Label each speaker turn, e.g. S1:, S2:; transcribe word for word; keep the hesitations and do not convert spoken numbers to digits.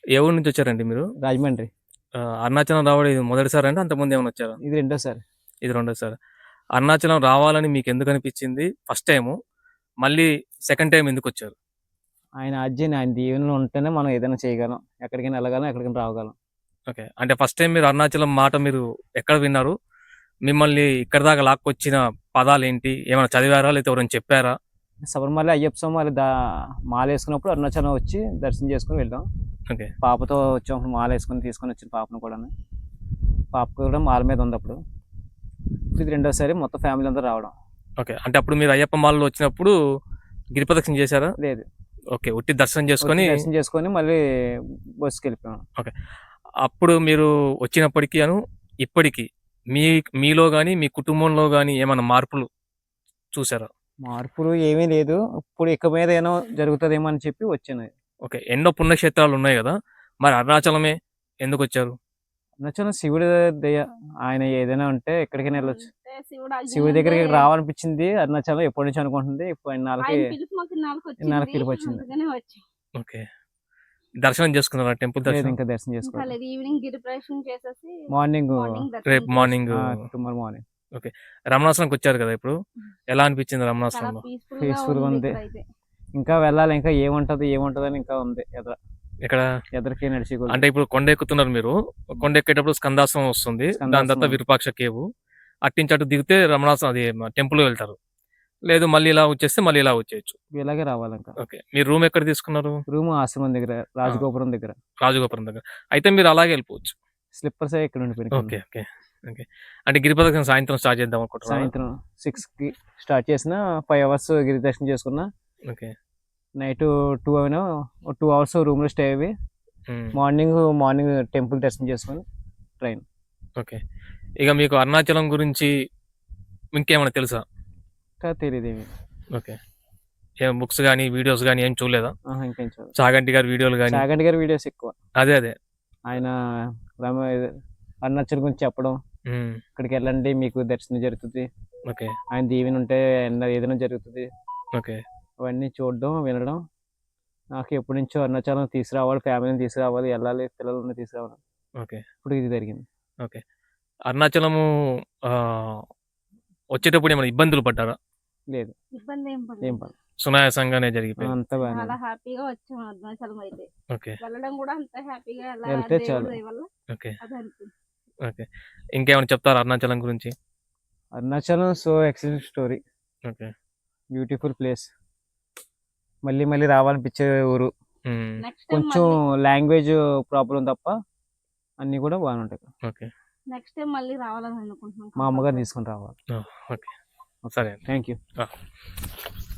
S1: ఏ ఊరు నుంచి వచ్చారండి మీరు?
S2: రాజమండ్రి.
S1: ఆహ్, అరుణాచలం రావడం ఇది మొదటిసారా అండి? అంతకుముందు ఏమైనా వచ్చారా?
S2: ఇది రెండోసారి.
S1: ఇది రెండోసారి. అరుణాచలం రావాలని మీకెందుకనిపిచ్చింది ఫస్ట్ టైము? మళ్ళీ సెకండ్ టైమ్ ఎందుకొచ్చారు?
S2: ఆయన ఆజ్ఞని, ఆయన దీవెనలు ఉంటేనే మనం ఏదైనా చేయగలం. ఎక్కడికైనా ఎళ్ళగలం, ఎక్కడికైనా రావగలం.
S1: ఓకే. అంటే ఫస్ట్ టైమ్ మీరు అరుణాచలం మాట మీరు ఎక్కడ విన్నారు? మిమ్మల్ని ఇక్కడి దాకా లాక్కొచ్చిన పదాలేంటి? ఏమైనా చదివారా? లేతే ఎవరైనా చెప్పారా?
S2: శబరిమల అయ్యప్ప స్వామి దా మాలేసుకున్నప్పుడు అరుణాచలం వచ్చి దర్శనం చేసుకొని వెళ్ళాం.
S1: ఓకే.
S2: పాపతో వచ్చాం. మాలేసుకొని తీసుకొనొచ్చిన పాపను కూడాను. పాప కూడా మాల మీద ఉందప్పుడు. ఇది రెండోసారి మొత్తం ఫ్యామిలీ అంతా రావడం.
S1: ఓకే. అంటే అప్పుడు మీరు అయ్యప్ప మాలలో వచ్చినప్పుడు గిరి ప్రదక్షిణ చేశారా?
S2: లేదు.
S1: ఓకే. ఉట్టి దర్శనం
S2: వచ్చి
S1: చేసుకొని
S2: దర్శనం చేసుకొని మళ్ళీ బస్సుకెళ్ళిపోయాం.
S1: ఓకే. అప్పుడు మీరు వచ్చినప్పటికి అను ఇప్పటికి మీ మీలో గాని, మీ కుటుంబంలో గాని ఏమన్నా మార్పులు చూసారా?
S2: మార్పులు ఏమీ లేదు. ఇప్పుడు ఇక మీద ఏనో జరుగుతదేమో అని చెప్పి వచ్చాను.
S1: ఓకే. ఎన్నో పుణ్యక్షేత్రాలున్నాయి గదా! మరి అరుణాచలమే ఎందుకొచ్చారు?
S2: అరుణాచలం శివుడి దయ. ఆయన ఏదైనా ఉంటే ఎక్కడికైనా వెళ్ళొచ్చు.
S3: అంటే శివుడు ఆజ్ఞ
S2: శివుడి
S3: ఉంటే
S2: దగ్గరికి రావాలనిపించింది అరుణాచలం ఎప్పటి నుంచో అనుకుంటుంది. ఇప్పుడు ఇన్నాళ్ళకి
S3: ఆయన పిలుపు మాకు ఇన్నాళ్ళకి
S2: ఇన్నాళ్ళకి
S3: వచ్చింది.
S2: పిలుపొచ్చింది.
S3: అందుకనే వచ్చాం.
S1: ఓకే. దర్శనం చేసుకున్నారా? టెంపుల్
S2: లేదు
S1: దర్శనం?
S2: ఇంకా దర్శనం
S3: ఇంకా
S2: చేసుకోవాలి.
S3: లేదు. ఈవినింగ్ గిరి ప్రదక్షిణ చేసేసి
S2: మార్నింగ్
S3: మార్నింగ్
S1: రేపు
S3: దర్శనం చేసి
S1: మార్నింగ్
S2: టుమారో మార్నింగ్
S1: ఓకే. రమణాశ్రమంకొచ్చారు కదా ఇప్పుడు. ఎలా అనిపించింది
S3: చాలా
S1: రమణాశ్రమంలో?
S3: పీస్ఫుల్ గా
S2: పీస్ఫుల్ గా
S3: ఉంది
S2: ఉంది.
S3: ఇక్కడైతే.
S2: ఇంకా వెళ్ళాలి. ఇంకా ఏముంటది ఏముంటదని ఇంకా ఉంది. ఎదర
S1: ఇక్కడ
S2: ఎదరికి నడిచి కొద్ది.
S1: అంటే ఇప్పుడు కొండ ఎక్కుతున్నారు మీరు. కొండ ఎక్కేటప్పుడు స్కందాశ్రమం వస్తుంది. దాని తర్వాత
S2: స్కందాశ్రమం.
S1: విరూపాక్ష కేవు. అట్నుంచి అటు దిగితే రమణాశ్రమం అది టెంపుల్‌కి వెళ్తారు. లేదు మళ్ళీ ఇలా వచ్చేస్తే మళ్ళీ ఇలా వచ్చేయొచ్చు.
S2: ఇలాగే రావాలి ఇంకా.
S1: ఓకే. మీరు రూమ్ ఎక్కడ తీసుకున్నారు?
S2: రూమ్ ఆశ్రమం దగ్గర, రాజగోపురం దగ్గర.
S1: రాజగోపురం దగ్గర. అయితే మీరు అలాగే వెళ్ళిపోవచ్చు.
S2: స్లిప్పర్సే ఇక్కడ ఉండిపోయినాయి.
S1: ఓకే. ఓకే. ఓకే. అంటే గిరి ప్రదక్షిణ సాయంత్రం స్టార్ట్ చేద్దాం అనుకుంటున్నారా?
S2: సాయంత్రం సిక్స్‌కి స్టార్ట్ చేసిన ఫైవ్ అవర్స్ గిరి దర్శనం చేసుకున్నా.
S1: ఓకే.
S2: నైట్ టూ అయినా టూ అవర్స్ రూమ్‌లో స్టే అయ్యి
S1: హ్మ్.
S2: మార్నింగ్ మార్నింగ్ టెంపుల్ దర్శనం చేసుకొని ట్రైన్.
S1: ఓకే. ఇక మీకు అరుణాచలం గురించి ఇంకేమైనా తెలుసా?
S2: ఇంకా తెలీదేమి.
S1: ఓకే. ఏం బుక్స్ గాని, వీడియోస్ గాని ఏం చూడలేదా?
S2: ఆహా! ఇంకేం చూడలేదు.
S1: చాగంటి గారి వీడియోలు గాని?
S2: చాగంటి గారి వీడియోస్ ఎక్కువ.
S1: అదే అదే.
S2: ఆయన రమ అరుణాచల్ గురించి చెప్పడం.
S1: హ్మ్.
S2: ఇక్కడికి వెళ్ళండి మీకు దర్శనం జరుగుతుంది.
S1: ఓకే.
S2: ఆయన దీవెన ఉంటే ఎన్న ఏదైనా జరుగుతుంది.
S1: ఓకే.
S2: అవన్నీ చూడడం, వినడం. నాకు ఎప్పటి నుంచో అరుణాచలం తీసుకురావాలి, ఫ్యామిలీని తీసుకురావాలి, వెళ్ళాలి, పిల్లలని తీసుకురావాలి.
S1: ఓకే.
S2: ఇప్పుడు ఇది జరిగింది.
S1: ఓకే. అరుణాచలము ఆహ్, వచ్చేటప్పుడు ఏమైనా ఇబ్బందులు పడ్డారా?
S2: లేదు.
S3: ఇబ్బంది ఏం
S2: ఏం
S3: పడలేదు.
S2: పడలేదు.
S1: సునాయాసంగానే జరిగిపోయింది.
S2: అంతా బాగానే
S3: చాలా
S2: ఉంది.
S3: హ్యాపీగా వచ్చాం అరుణాచలం అయితే.
S1: ఓకే.
S3: వెళ్ళడం కూడా అంత హ్యాపీగా ఎలా
S2: వెళ్తే
S3: దేవుడి
S2: చాలు.
S3: దయ వల్ల
S1: ఓకే.
S3: అది అనిపించింది.
S1: ఓకే. ఇంకేమైనా చెప్తారా అరుణాచలం గురించి?
S2: Arunachalam so excellent story.
S1: Okay.
S2: Beautiful place. మళ్ళీ మళ్ళీ రావాలనిపించే ఊరు.
S1: హ్మ్.
S3: నెక్స్ట్ టైం
S2: కొంచెం
S3: మళ్ళీ
S2: లాంగ్వేజ్ ప్రాబ్లం తప్ప అన్నీ కూడా బాగానే ఉంటాయి.
S1: ఓకే.
S3: నెక్స్ట్ టైం మళ్ళీ రావాలని అనుకుంటున్నాం.
S2: మా అమ్మగారిని తీసుకొని రావాలి.
S1: ఓహ్! ఓకే. సరే అండి.
S2: Thank you.
S1: ఆ!